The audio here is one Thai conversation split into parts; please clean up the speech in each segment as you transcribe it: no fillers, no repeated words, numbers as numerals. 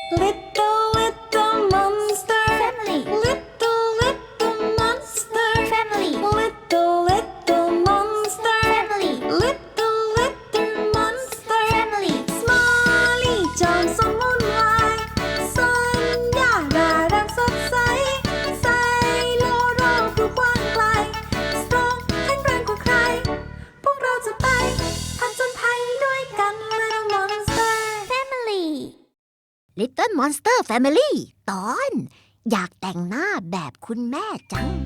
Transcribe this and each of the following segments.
Little little monster Family. Little little monster Family. Little little monster Family. Little little monster Family. Smiley จอมสมุนไพรสัญญาร่าเริงสดใสไซโลโรผู้กว้างไกล Strong แข็งแรงกว่าใคร พวกเราจะไปผจญภัยด้วยกัน Little Monster Family Little Monster Family ตอนอยากแต่งหน้าแบบคุณแม่จัง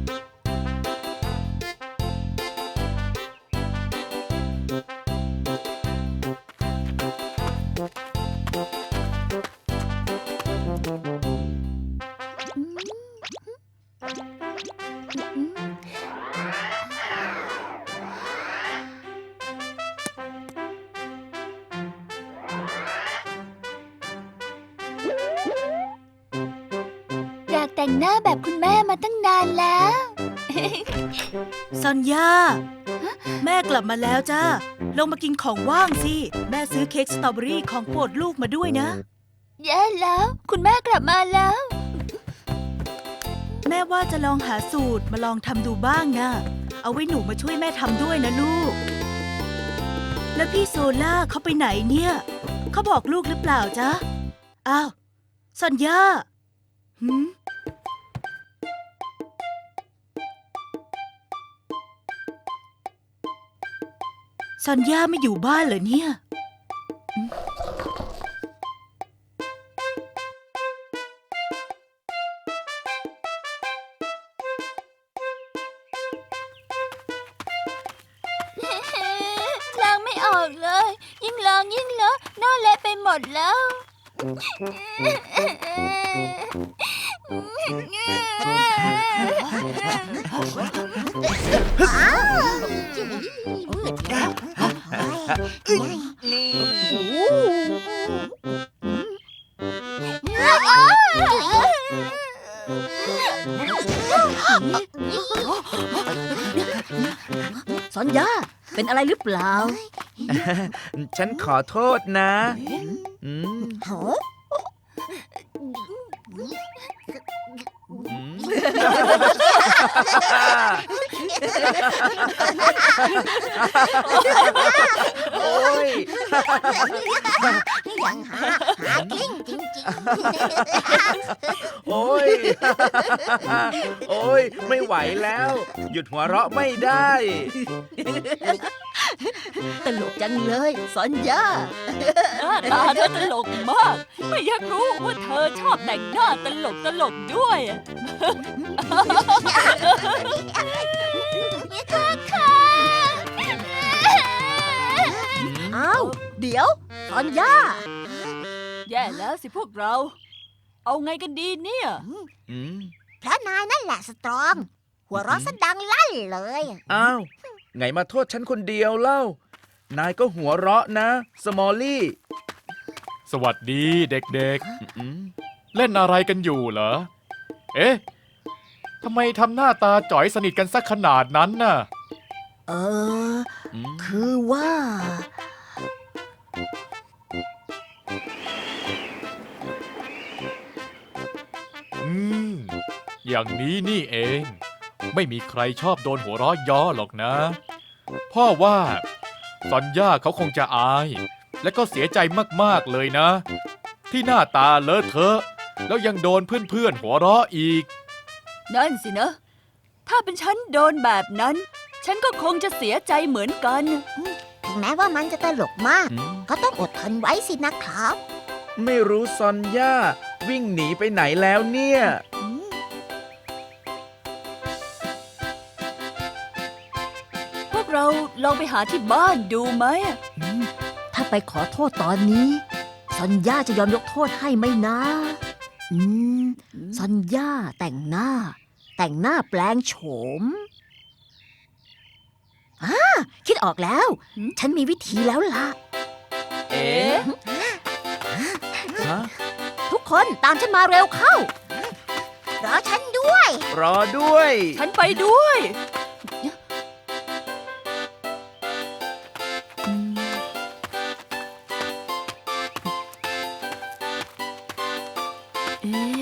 อยากแต่งหน้าแบบคุณแม่มาตั้งนานแล้วซอนยาแม่กลับมาแล้วจ้าลงมากินของว่างสิ แม่ซื้อเค้กสตรอเบอรี่ของโปรดลูกมาด้วยนะแย่แล้ว คุณแม่กลับมาแล้วแม่ว่าจะลองหาสูตรมาลองทำดูบ้างนะเอาไว้หนูมาช่วยแม่ทำด้วยนะลูก แล้วพี่โซล่าเขาไปไหนเนี่ยเขาบอกลูกหรือเปล่าจ๊ะอ้าวซอนยาหืมซอนยาไม่อยู่บ้านเหรอเนี่ยล้างไม่ออกเลย ยิ่งล้างยิ่งเลอะหน้าเละไปหมดแล้วสัญญาเป็นอะไรหรือเปล่าฉันขอโทษนะอืมโอ้ยยังหากิ้งจริงโอ้ย โอ้ย ไม่ไหวแล้ว หยุดหัวเราะไม่ได้ตลกจังเลยสัญญาหน้าตาเธอตลกมาก ไม่อยากรู้ว่าเธอชอบแต่งหน้าตลกด้วยอ้าวเดี๋ยวสัญญาแย่แล้วสิพวกเรา เอาไงกันดีเนี่ยอืมเพราะนายนั่นแหละสตรอง หัวเราะซะดังลั่นเลยอ้าว ไงมาโทษฉันคนเดียวเล่า นายก็หัวเราะนะ สมอลลี่สวัสดีเด็กอืมๆ เล่นอะไรกันอยู่เหรอ เอ๊ะ ทำไมทำหน้าตาจ๋อยสนิทกันสักขนาดนั้นน่ะเอออืมคือว่าอืม อย่างนี้นี่เอง ไม่มีใครชอบโดนหัวเราะย่อหรอกนะ พ่อว่าซอนย่าเขาคงจะอาย และก็เสียใจมากๆเลยนะ ที่หน้าตาเลอะเทอะ แล้วยังโดนเพื่อนๆหัวเราะอีกนั่นสินะ ถ้าเป็นฉันโดนแบบนั้น ฉันก็คงจะเสียใจเหมือนกันถึงแม้ว่ามันจะตลกมากอืมก็ต้องอดทนไว้สินะครับไม่รู้ซอนย่าวิ่งหนีไปไหนแล้วเนี่ยพวกเราลองไปหาที่บ้านดูไหมถ้าไปขอโทษตอนนี้สัญญาจะยอมยกโทษให้ไหมนะ อืมสัญญาแต่งหน้าแปลงโฉมคิดออกแล้ว ฉันมีวิธีแล้วล่ะเอ๊ะฮะทุกคนตามฉันมาเร็วเข้ารอฉันด้วยรอด้วยฉันไปด้วยอเอ๊ะ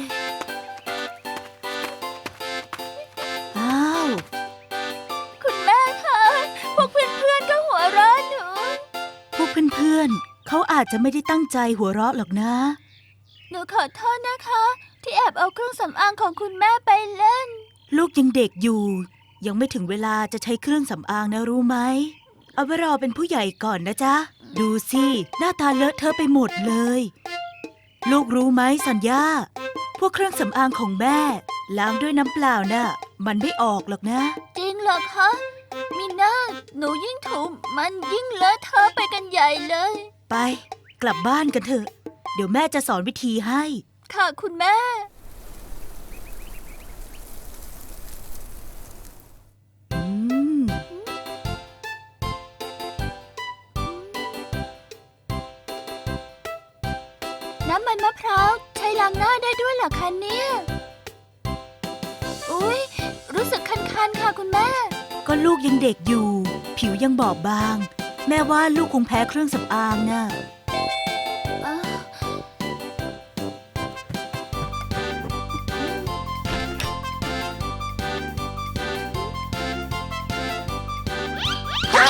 อ้าวคุณแม่คะ พวกเพื่อนๆก็หัวเราะหนูพวกเพื่อนๆเขาอาจจะไม่ได้ตั้งใจหัวเราะหรอกนะหนูขอโทษนะคะ ที่แอบเอาเครื่องสำอางของคุณแม่ไปเล่นลูกยังเด็กอยู่ ยังไม่ถึงเวลาจะใช้เครื่องสำอางนะรู้ไหม เอาไว้รอเป็นผู้ใหญ่ก่อนนะจ๊ะ ดูสิหน้าตาเลอะเทอะไปหมดเลย ลูกรู้ไหมสัญญา พวกเครื่องสำอางของแม่ล้างด้วยน้ำเปล่าน่ะ มันไม่ออกหรอกนะจริงเหรอคะ มีหน้าหนูยิ่งถูมันยิ่งเลอะเทอะไปกันใหญ่เลยไป กลับบ้านกันเถอะ เดี๋ยวแม่จะสอนวิธีให้ค่ะคุณแม่อืมน้ำมันมะพร้าวใช้ล้างหน้าได้ด้วยเหรอคะเนี่ย อุ๊ย รู้สึกคันๆค่ะคุณแม่ก็ลูกยังเด็กอยู่ ผิวยังบอบบาง แม่ว่าลูกคงแพ้เครื่องสำอางน่ะเอ๋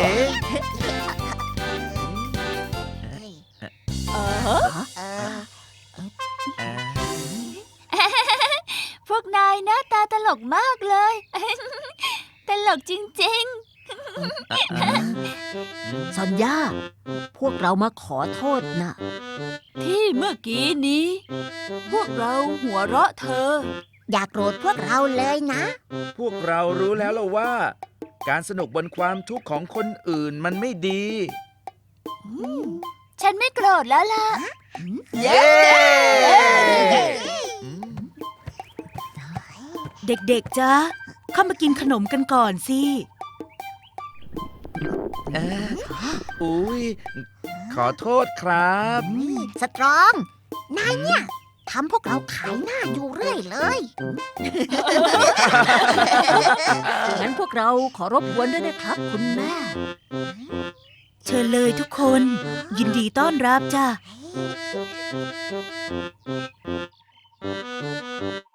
พวกนายหน้าตาตลกมากเลย ตลกจริงซอนย่า พวกเรามาขอโทษนะๆ ที่เมื่อกี้นี้ พวกเราหัวเราะเธออย่าโกรธพวกเราเลยนะพวกเรารู้แล้วล่ะว่า การสนุกบนความทุกข์ของคนอื่นมันไม่ดีฉันไม่โกรธแล้วล่ะเย้เด็กๆจ๊ะ เข้ามากินขนมกันก่อนสิอุ้ยขอโทษครับสตรอง นายเนี่ยทำพวกเราขายหน้าอยู่เรื่อยเลยงั้นพวกเราขอรบกวนด้วยนะครับ คุณแม่เชิญเลยทุกคน ยินดีต้อนรับจ้ะ